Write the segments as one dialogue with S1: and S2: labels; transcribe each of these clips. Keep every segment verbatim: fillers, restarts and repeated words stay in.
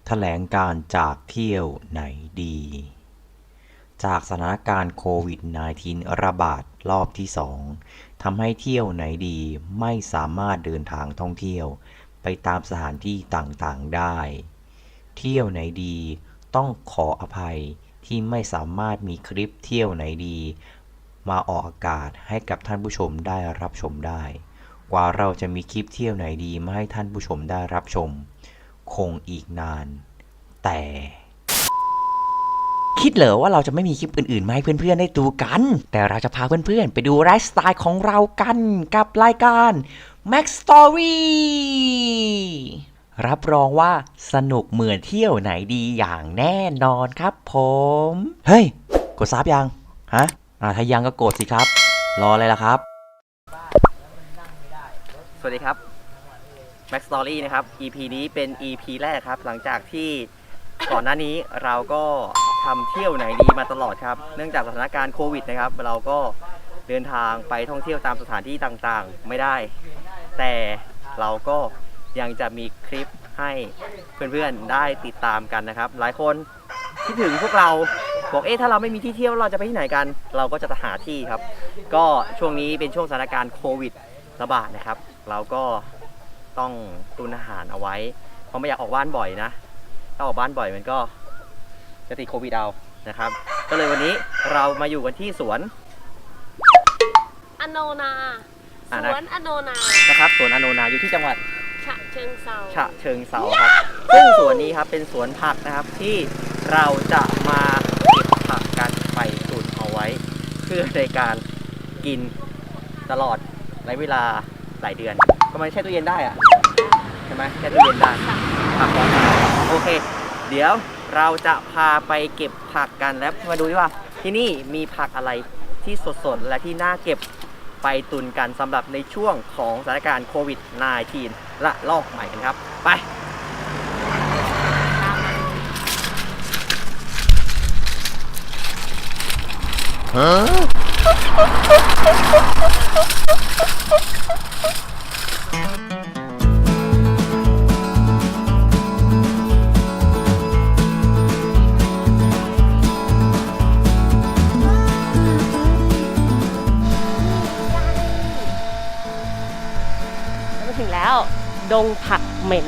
S1: แถลงการณ์จากเที่ยวไหนดี จากสถานการณ์โควิด สิบเก้า ระบาดรอบที่สองทำให้เที่ยวไหนดีไม่สามารถเดินทางท่องเที่ยวไปตามสถานที่ต่างๆได้ เที่ยวไหนดีต้องขออภัยที่ไม่สามารถมีคลิปเที่ยวไหนดีมาออกอากาศให้กับท่านผู้ชมได้รับชมได้ กว่าเราจะมีคลิปเที่ยวไหนดีมาให้ท่านผู้ชมได้รับชมคงอีกนาน แต่คิดเหรอว่าเราจะไม่มีคลิปอื่นๆมาให้เพื่อนๆได้ดูกัน แต่เราจะพาเพื่อนๆไปดูไลฟ์สไตล์ของเรากันกับรายการ Max Story รับรองว่าสนุกเหมือนเที่ยวไหนดีอย่างแน่นอนครับผม เฮ้ย กดซับยัง ฮะ อ่าถ้ายังก็กดสิครับ รออะไรล่ะครับ
S2: สวัสดีครับ Max Story นะครับ อี พี นี้เป็น อี พี แรกครับหลังจากที่ก่อนหน้านี้เราก็ทำเที่ยวไหนดีมาตลอดครับเนื่องจากสถานการณ์โควิดนะครับเราก็เดินทางไปท่องเที่ยวตามสถานที่ต่างๆไม่ได้ แต่เราก็ยังจะมีคลิปให้เพื่อนๆได้ติดตามกันนะครับหลายคนคิดถึงพวกเราบอกเอ๊ะถ้าเราไม่มีที่เที่ยวเราจะไปที่ไหนกันเราก็จะหาที่ครับก็ช่วงนี้เป็นช่วงสถานการณ์โควิดระบาดนะครับเราก็ต้องตุนอาหารเอาไว้เพราะไม่อยากออกบ้านบ่อยนะถ้าออกบ้านบ่อยมันก็จะติดโควิดเอานะครับก็เลยวันนี้เรามาอยู่กันที่สวน
S3: อโนนาสวนอโนนา
S2: นะครับสวนอโนนาอยู่ที่จังหวัด
S3: ฉะเชิงเทรา
S2: ฉะเชิงเทราครับซึ่งสวนนี้ครับเป็นสวนผักนะครับที่เราจะมาเก็บผักกันไปตุนเอาไว้เพื่อในการกินตลอดในเวลาหลายเดือนก็มันแช่ตู้เย็นได้อะใช่ไหมแช่ตู้เย็นได้ผักร้อนโอเคเดี๋ยวเราจะพาไปเก็บผักกันแล้วมาดูดิว่าที่นี่มีผักอะไรที่สดๆและที่น่าเก็บไปตุนกันสำหรับในช่วงของสถานการณ์โควิด สิบเก้า ละลอกใหม่กันครับไปฮะ
S3: ถึงแล้วดงผักเหม็น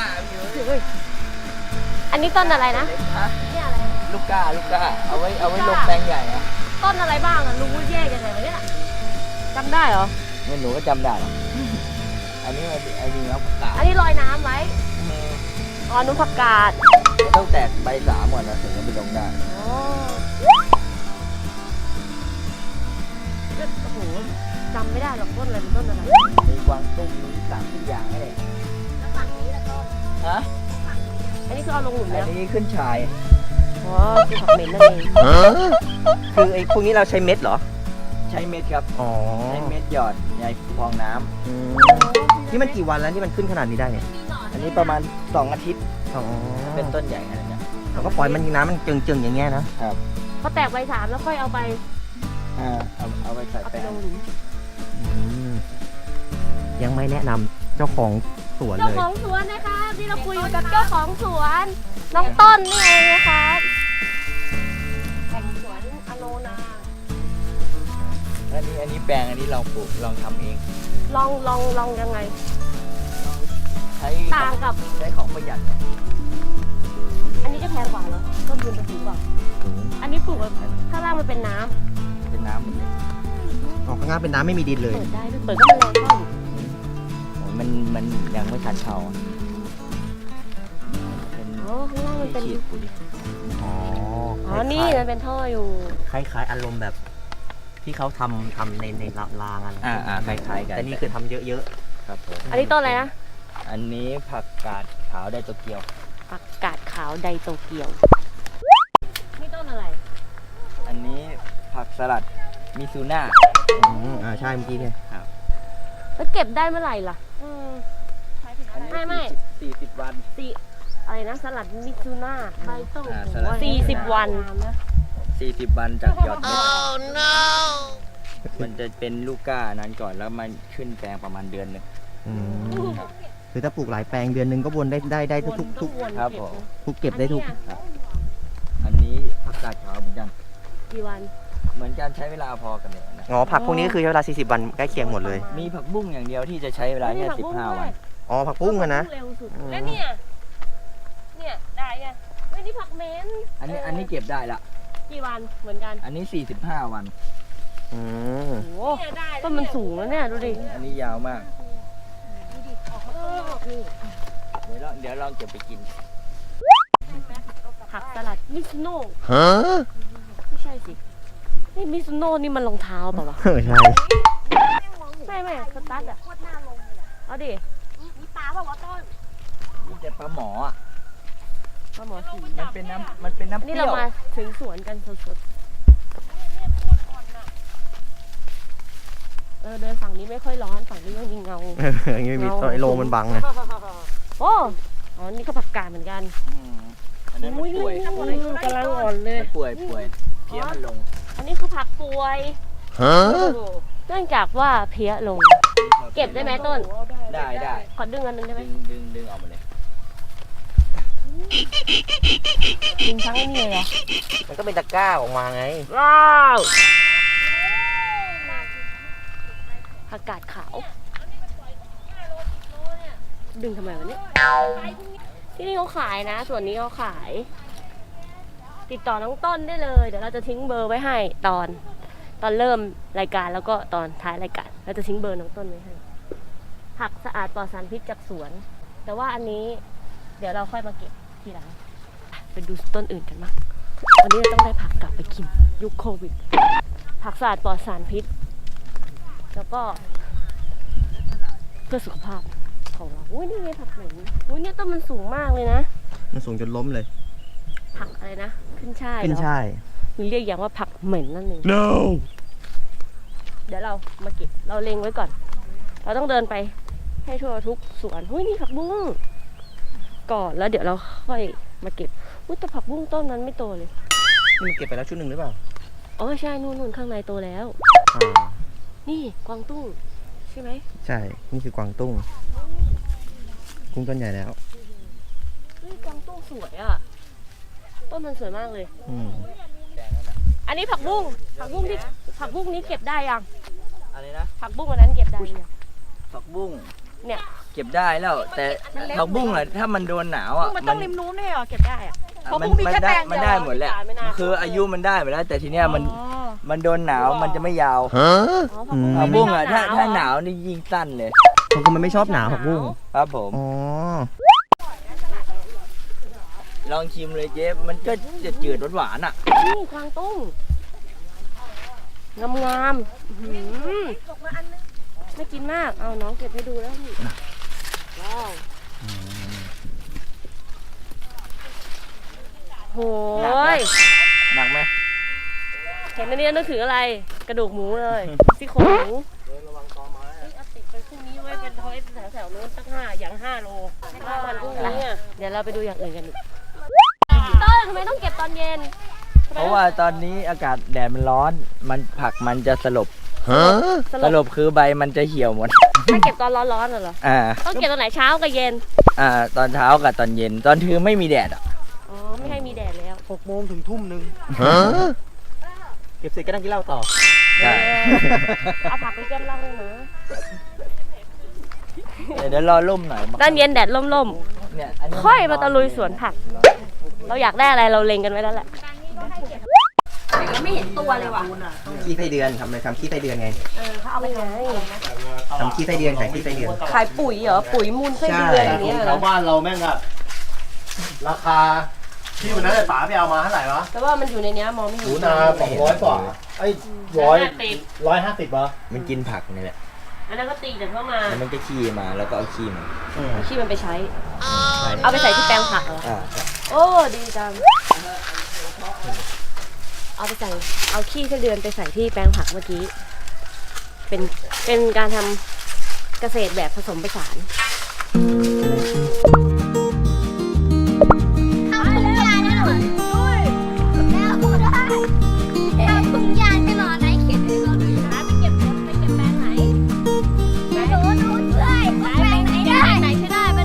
S3: อันนี้ต้นอะไรนะเนี่ยอะไร
S2: ลูกก้าลูกก้าเอาไว้เอาไว้ลงแปลงใหญ่อะ
S3: ต้นอะไรบ้างอะรู้แยกยังไงวะเนี่ยจำได้เหรอ
S2: ไม่หนูก็จำได้หรออันนี้ไอ้นี่ครับผักกาด
S3: อันนี้ลอยน้ำไว้อ๋อนุ่มผักกาด
S2: ต้องแตกใบสามก่อนนะถึงจะไปลงได้
S3: อ๋อโอ้โหจำไม่ได้หรอกต้นอะไรเป็นต้นอะไร
S2: มีกวางตุ้งมีสามทุกอย่างเลย
S3: แล้วฝั่งนี้แล้วก็
S2: ฮะ
S3: อันนี้คือเอาลงหลุมแล้ว
S2: อันนี้ขึ้นชาย
S3: อ๋อคือผักเหม็นนั่นเอง
S2: คือไอ้พวกนี้เราใช้เม็ดเหรอใช้เม็ดครับอ๋อใช้เม็ดหยอดในฟองน้ำนี่มันกี่วันแล้วที่มันขึ้นขนาดนี้ได้เนี่ยอันนี้ประมาณสองอาทิตย์อ๋อเป็นต้นใหญ่ขนาดนี้เราก็ปล่อยมันน้ำมันจึงๆอย่างเงี้ยนะครับ
S3: พอแตกใบสามแล้วค่อยเอาไป
S2: อ่าเอาเอาไปใส่แป้ง
S1: ยังไม่แนะนำเจ้าของสวนเลย
S3: เจ้าของสวนนะคะที่เราคุยกับเจ้าของสวนน้องต้นนี่เองนะครับแห่งสวนอโนนา
S2: อันนี้อันนี้แปลงอันนี้ลองปลูกลองทำเอง
S3: ลองลองลองยังไง
S2: ใช้
S3: ต่างกับ
S2: ใช้ของประหยัด
S3: อันนี้จะแพงกว่าเหรอต้นทุนจะสูงกว่าอันนี้ปลูกแบบข้างล่างมันเป็นน้
S2: ำเป็นน้ำหมดเลยออกข้างล่างเป็นน้ำไม่มีดินเลย
S3: เปิดได้ด้วยเปิดก็มันแรงเข้า
S2: มันมันยังไม่ทันเข้า
S3: อ๋อข้างล่างมันเป็น
S2: อ๋อ
S3: อ๋อนี่มันเป็นท่ออยู่
S1: คล้ายๆอารมณ์แบบที่เขาทำทำในในรางอะไร
S2: อ่าอ่าคล้ายๆกัน
S1: แต่นี่คือทำเยอะ
S2: ๆครับผม
S3: อันนี้ต้นอะไรนะ
S2: อันนี้ผักกาดขาวไดโตเกียว
S3: ผักกาดขาวไดโตเกียวนี่ต้นอะไร
S2: อันนี้ผักสลัดมิซูน่า
S1: อ่าใช่เมื่อกี้เนี่ย
S2: ครับ
S3: แล้วเก็บได้เมื่อไหร่ล่ะอืมไม่ไม่
S2: สี่สิบวัน
S3: สี่อะไรนะสลัดมิซูน่าใบโตสี่สิบวัน
S2: สี่สิบวันจากหยอดเม็ด oh, no. มันจะเป็นลูกก้านั้นก่อนแล้วมันขึ้นแปลงประมาณเดือนหนึ่ง
S1: คือ
S4: คือถ้าปลูกหลายแปลงเดือนหนึ่งก็วนได้ได้ได้ทุกทุกทุก
S2: ครับผม
S4: ทุกเก็บได้ทุก
S5: อันนี้ผักกาดขาวเหมือนกัน
S3: กี่วัน
S5: เหมือนกันใช้เวลาพอกันเลยนะ
S2: อ๋อผักพวกนี้ก็คือใช้เวลาสี่สิบวันใกล้เคียงหมดเลย
S5: มีผักบุ้งอย่างเดียวที่จะใช้เวลาแค่สิบห้าวัน
S2: อ๋อผักปุ้งอะนะ
S3: เร็วสุดแล้วเนี่ยเนี่ยได้ยังไม่นี่ผักเม้น
S5: อันนี้อันนี้เก็บได้ละ
S3: กี่วันเหมือนกัน
S5: อันนี้สี่สิบห้าวัน
S2: อืม
S3: โอ้ต้นมันสูงแล้วเนี่ยดูดิ
S5: อันนี้ยาวมาก
S3: เออ
S5: เดี๋ยวลองเดี๋ยวลองเก็บไปกิน
S3: ผักสลัดมิซุโน่
S1: ฮะ
S3: ไม่ใช่สินี่มิซุโน่นี่มันรองเท้าเปล่าวะ
S4: เออใช่
S3: ไม่ไม่สตาร์ทอะเอาดิมีปลาเปล่าวะต้น
S5: นี่จะปลาหมออ่ะ
S3: ปลาหมอสี
S5: มันเป็นน้ำมันเป็นน้ำเป
S3: นี่
S5: รี้
S3: เรา
S5: ยว
S3: มาถึงสวนกันสดๆเออเดินฝั่งนี้ไม่ค่อยร้อนฝั่งนี้ยังมีเงา
S2: เอออย่างนี้ไม่มีไอ้โลมันบังไง
S3: โอ้อ๋อนี่ก็ผักกาดเหมือนกัน
S5: อืมอันนั้นมันป่วย
S3: อุ้ยกำลังอ่อนเลย
S5: มันป่วยป่วยเพี้ยมันลง
S3: อันนี้คือผักป่วย
S1: ฮะ
S3: เนื่องจากว่าเพี้ยลง เก็บได้ไหมต้น
S5: ได้ได้
S3: ขอดึงอันนึงได้ไหม
S5: ดึงดึงดึงออกมาเลย
S3: ดึงทั้งไอ้นี่เลยเหรอ
S2: มันก็เป็นตะกร้าออกมาไง
S3: ว้าวผักกาดขาว ดึงทำไมวะเนี่ยที่นี่เขาขายนะ ส่วนนี้เขาขาย ติดต่อน้องต้นได้เลย เดี๋ยวเราจะทิ้งเบอร์ไว้ให้ตอน ตอนเริ่มรายการแล้วก็ตอนท้ายรายการเราจะทิ้งเบอร์น้องต้นไว้ให้ ผักสะอาดปลอดสารพิษจากสวน แต่ว่าอันนี้เดี๋ยวเราค่อยมาเก็บทีหลังไปดูต้นอื่นกันมั้งวันนี้เราต้องได้ผักกลับไปกินยุคโควิด ผักสะอาดปลอดสารพิษ แล้วก็เพื่อสุขภาพของเราอุ้ยนี่ไงผักเหม็นอุ้ยเนี่ยต้นมันสูงมากเลยนะ
S4: มันสูงจนล้มเลย
S3: ผักอะไรนะ ขึ้นช่าย
S4: ขึ้น
S3: เหรอ
S4: ช่าย
S3: มีเรียกอย่างว่าผักเหม็นนั่นเอง
S1: no
S3: เดี๋ยวเรามาเก็บ เราเล็งไว้ก่อน เราต้องเดินไปให้ทั่วทุกสวนหุ้ยนี่ผักบุ้งก่อนแล้วเดี๋ยวเราค่อยมาเก็บอุ้ยแต่ผักบุ้งต้นนั้นไม่โตเลย
S4: นี่มันเก็บไปแล้วชุดหนึ่งหรือเปล่า
S3: อ๋อใช่นู่นนู่นข้างในโตแล้ว
S4: อ่า
S3: นี่กวางตุ้งใช่ไหม
S4: ใช่ นี่คือกวางตุ้ง กุ้งต้นใหญ่แล้ว
S3: เฮ้ยกวางตุ้งสวยอ่ะ ต้นมันสวยมากเลย
S4: อืม
S3: อันนี้ผักบุ้งผักบุ้งที่ผักบุ้งนี้เก็บได้ยัง
S5: อะไรนะ
S3: ผักบุ้งอันนั้นเก็บได้ยัง
S5: ผักบุ้ง
S3: เนี่ย
S5: เก็บได้แล้ว แต่ผักบุ้งอะถ้ามันโดนหนาวอ่ะ
S3: มันต้องริมนู้นเลยเหรอเก็บได้อะ
S5: อ่ะมันมันได้มันได้หมดแหละคืออายุมันได้หมดแล้ว แต่ทีเนี้ยมัน
S3: อ๋อ
S5: มันโดนหนาวมันจะไม่ยาว
S1: ฮะ
S3: อ๋อผักบุ้ง
S5: ผักบุ้งอ่ะถ้า
S3: ไม่ชบ
S5: ถ้าหนาวนี่ยิ่งสั้นเลย
S4: เพราะมันไม่ชอบหนาวผักบุ้ง
S5: ครับผม
S4: อ๋อ
S5: ลองชิมเลยเจ๊มันก็จะจืดหวานๆอ่ะ
S3: นี่กวางตุ้งงามงามๆอื้อหือไม่กินมาก เอาน้องเก็บให้ดูแล้วนี่ว้าวโหย
S5: หนักไหม
S3: เห็นอันนี้นึกถึงอะไร กระดูกหมูเลยซี่โครงหมูเอาติดไปพรุ่งนี้ไว้เป็นทอยแถวๆนู้นตั้งห้าอย่างห้าโลห้าวันพรุ่งนี้อะเดี๋ยวเราไปดูอย่างอื่นกันอีกต้นทำไมต้องเก็บตอนเย็น
S5: เพราะว่าตอนนี้อากาศแดดมันร้อน มันผักมันจะสลบ
S1: ฮะ
S3: ส
S5: ส
S3: ล
S5: ล
S3: บบ
S5: คือใบมันจะเหี่ยวหมด
S3: ถ้าเก็บตอนร้อนๆน่ะเหรอ
S5: อ่า
S3: ต้องเก็บตอนไหนเช้ากับเย็น
S5: อ่า ตอนเช้ากับตอนเย็น ตอนคือไม่มีแดดอ่ะ
S3: อ๋อ ไม่ให้มีแดดแล้ว
S4: หกโมงถึงทุ่มหนึ่ง
S1: ฮะ
S4: เก็บเสร็จก็นั่งกินเหล้าต่อ
S5: ใช่
S3: เอาผักไปแก้มเหล้าด้วยนะ
S5: เดี๋ยวรอร่มหน่อย
S3: ตอนเย็นแดดล่ม
S5: เนี่ยอันนี้
S3: ๆ ค่อยมาตะลุยสวนผัก เราอยากได้อะไรเราเล็งกันไว้แล้วแหละไม่เห็นตัวเลยว่ะ
S4: ขี้ไส้เดือนทำอะไรทำขี้ไส้เดือนไง
S3: เออเขาเอาไปไง
S4: ทำขี้ไส้เดือนขายขี้ไส้เดือน
S3: ขายปุ๋ยเหรอ ปุ๋ยมูลไส้เดือนอย่างเงี้ย
S6: แถวบ้านเราแม่งอะราคาที่วันนั้นไอ้ป๋าไปเอามาเท่าไหร่วะ
S3: แต่ว่ามันอยู่ในเนี้ยมองไม่
S6: ห
S3: เห็
S6: นู
S3: น
S6: นาสองร้อยกว่าไอ้ร้อย
S3: ติด
S6: ร้อยห้าสิบวะ
S5: มันกินผักนี่แหละ
S3: อันนั้นก็ตีเดี๋ยวเข้ามา
S5: แล้วมันก็ขี้มาแล้วก็เอาขี้มา
S3: เอาขี้มันไปใช้ เอาไปใส่ที่แปลงผักเหรอ
S5: อ่าใช่
S3: โอ้ดีจัง เอาไปใส่ เอาขี้ไส้เดือนไปใส่ที่แปลงผักเมื่อกี้ เป็น เป็นการทำเกษตรแบบผสมผสาน
S7: เอาถุงยางให้หน่อยด้วยแล้วพูดได้เอาถุงยางให้หน่อยไหนเขียนให้เราดูนะไปเก็บไปเก็บแปลงไหนไปดูดูด้วยแปลงไหนได้ไหนใช่ได้ไป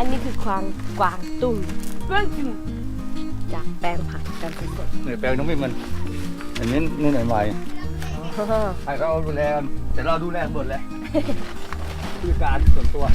S3: นนี้คือควางกวางตุ้งเรื่องจริงจากแปลงผักกันสด
S8: เหนื่อยแปลงน้องไม่มันอันนี้นี่หน่อยใหม่
S3: ๆ
S8: ให้เขาดูแลกันแต่เราดูแลหมดแล้วผู้จัดการส่วนตัว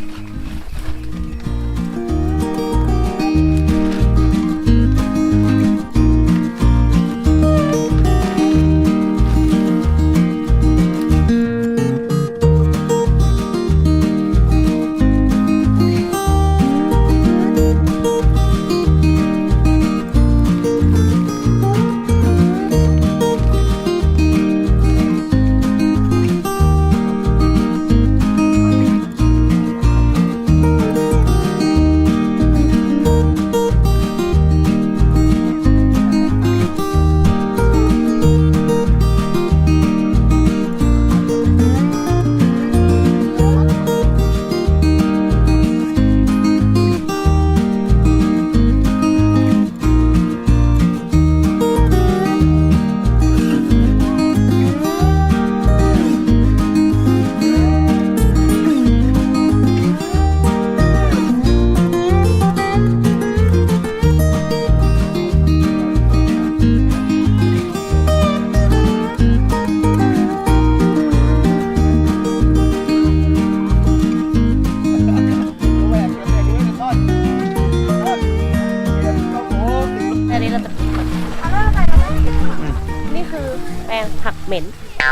S3: อันนี้เราจะนี่คือแปลงผักเหม็น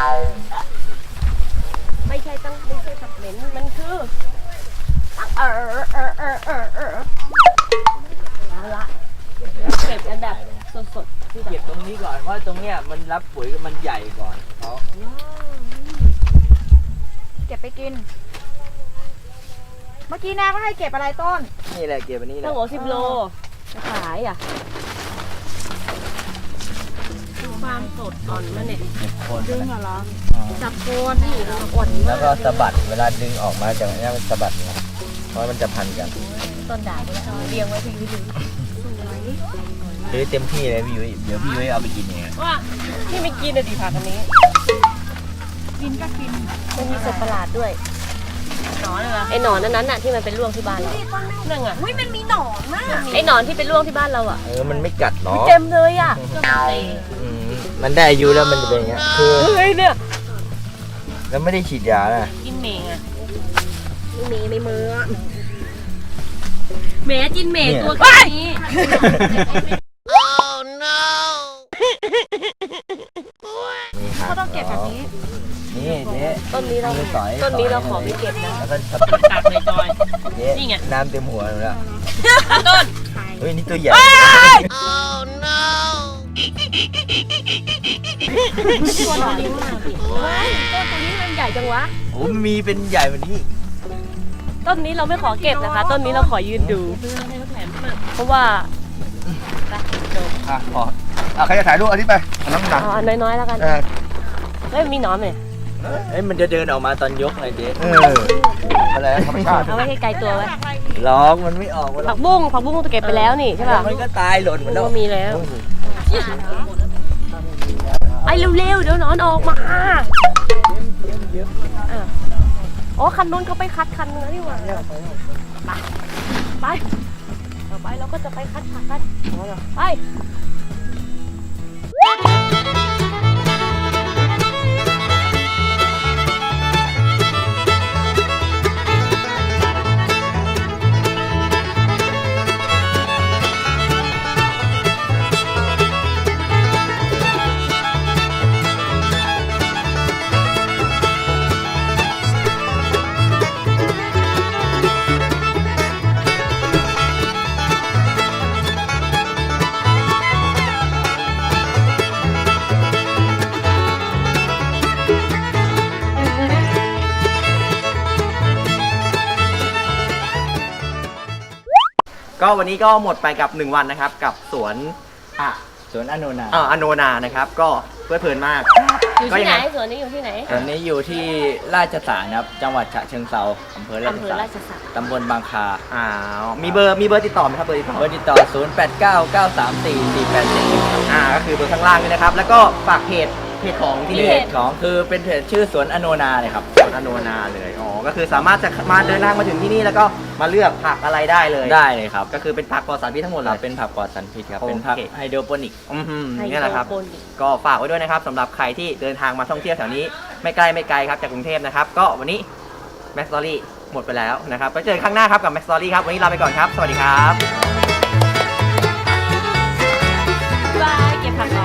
S3: ไม่ใช่ตั้งไม่ใช่ผักเหม็น มันคือเออเออเออเออเออเอาละเก็บกันแบบสดๆที่แบ
S5: เก็บบ ตรงนี้ก่อนเพราะตรงเนี้ยมันรับปุ๋ยมันใหญ่ก่อนเขา
S7: เก็บไปกิน เมื่อกี้นาก็ให้เก็บอะไรต้น
S5: นี่แหละเก็บอันนี้แห
S3: ตั้
S5: ละ
S3: งหัวสิบโลจะขายอ่ะความสดอ่อนมันเนี่ย
S5: คน
S7: ดึงเหรอ
S3: จับโคนนี่เราอ่อน
S5: แล้ว
S3: มาก
S5: ก็สะบัดเวลาดึงออกมาจากนี้มันสะบัดไงเพราะมันจะพันกัน
S3: ต้นด่างก็แล้วเรียงไว้พี่วิธี
S5: ซื้อเต็มที่เลยพี่ยุ้ยเดี๋ยวพี่ยุ้ยเอาไปกินเอง
S3: ว่าที่ไม่กินอะดีผักอันนี้
S7: กินก็กิน
S3: มันมีสัตว์ประหลาดด้วยหนอนเหรอไอหนอนนั้นน่ะที่มันเป็นร่วงที่บ้านเรานั่นไง
S7: อุ้ยมันมีหนอนมาก
S3: ไอหนอนที่เป็นร่วงที่บ้านเราอ่ะ
S5: เออมันไม่กัดหรอ
S3: เต็มเลยอ่ะ
S5: อืมมันได้อายุแล้วมันจะเป็นอย่างเงี้ยคือ
S3: เฮ้ยเนี่ย
S5: แล้วไม่ได้ฉีดยานะ
S3: กินเมงอ่ะไม่มีในมือเมจินเมตัวแค่นี้
S5: นี่ครับ
S7: เขาต้องเก็บแบบนี้
S5: นี่เจ๊
S3: ต้นนี้เรา
S5: มือสอย
S3: ต้นนี้เราขอไม่เก็บนะ
S5: แล้วก็
S3: ตักเลยจอย
S5: เจ๊
S3: นี่ไง
S5: น้ำเต็มหัวหนูแล้ว
S3: ต้น
S5: เฮ้ยนี่ตัวใหญ่
S3: ตัวหนอนดีมากพี่ว้ายต้นตัวนี้มันใหญ่จังวะ
S5: โอ้มันมีเป็นใหญ่แบบนี้
S3: ต้นนี้เราไม่ขอเก็บนะคะ ต้นนี้เราขอยืนดู เพราะว่า
S8: อ่ะพออ่ะใครจะถ่ายรูปอันนี้ไปอันน้ำหนัก
S3: เอาอันน้อยๆแล้วกัน
S8: เออ
S3: เฮ้ยมีหนอนไหม
S5: เอ้ยมันจะเดินออกมาตอนยกไงเจ๊
S8: เอออะไรธรรมชาติ
S3: เอาไว้ให้ไกลตัวไว้
S5: ร้องมันไม่ออกมัน
S3: ผักบุ้งผักบุ้งจะเก็บไปแล้วนี่ใช่ป่ะ
S5: มันก็ตายหล่นหมดแล้ว
S3: ก็มีแล้วไอ้เร็วๆเดี๋ยวหนอนออกมาอ่ะอ๋อคันนู้นเขาไปคัดคันนึงแล้วนี่หว่าไปไปต่อไปเราก็จะไปคัดผักกันไป
S2: ก็วันนี้ก็หมดไปกับหนึ่งวันนะครับ กับสวนอ่ะ
S5: สวนอโนนา
S2: เอ่ออโนนานะครับ ก็เพลิดเพลินมาก
S3: อยู่
S2: ก็
S3: ที่
S2: ยัง
S3: ไหน
S2: ไง
S3: สวนนี้อยู่ที่ไหน
S5: ตอนนี้อยู่ที่ราชสารครับ จังหวัดฉะเชิงเทราอำเภอราช
S3: อำเภอ
S5: สาร
S3: ราชสัก
S5: ตำบลบางคา
S2: อ้าวมีเบอร์มีเบอร์ติดต่อไหมครับเบอร์ติดต่อ
S5: เบอร์ติดต่อ ศูนย์ แปด เก้า เก้า สาม สี่ สี่ แปด สี่
S2: อ่าก็คือเบอร์ข้างล่างนี่นะครับ แล้วก็ฝากเพจเพจของที่
S5: ที่
S2: นี่
S5: เพจของคือเป็นเพจชื่อสวนอโนนาเลยครับ
S2: สวนอโนนาเลยอ๋อก็คือสามารถจะมาเดินทางมาถึงที่นี่แล้วก็มาเลือกผักอะไรได้เลย
S5: ได้เลยครับ
S2: ก็คือเป็นผักปลอดสารพิษทั้งหมด
S5: ค
S2: เล
S5: รับ
S2: ย
S5: เป็นผักปลอดสารพิษครับ
S2: โอเค
S5: เป็นผักไฮโดรโปนิก
S2: อืม
S3: ไฮ
S2: นี่แหละครับ
S3: โดรโปนิก
S2: ก็ฝากไว้ด้วยนะครับสำหรับใครที่เดินทางมาท่องเที่ยวแถวนี้ไม่ไกลไม่ไกลครับจากกรุงเทพนะครับก็วันนี้แม็กซ์สตอรี่หมดไปแล้วนะครับไปเจอกันครั้งหน้าครับกับแม็กซ์สตอรี่ครับวันนี้ลาไปก่อนครับสวัสดีครับ
S3: บายเก็บผักก่อน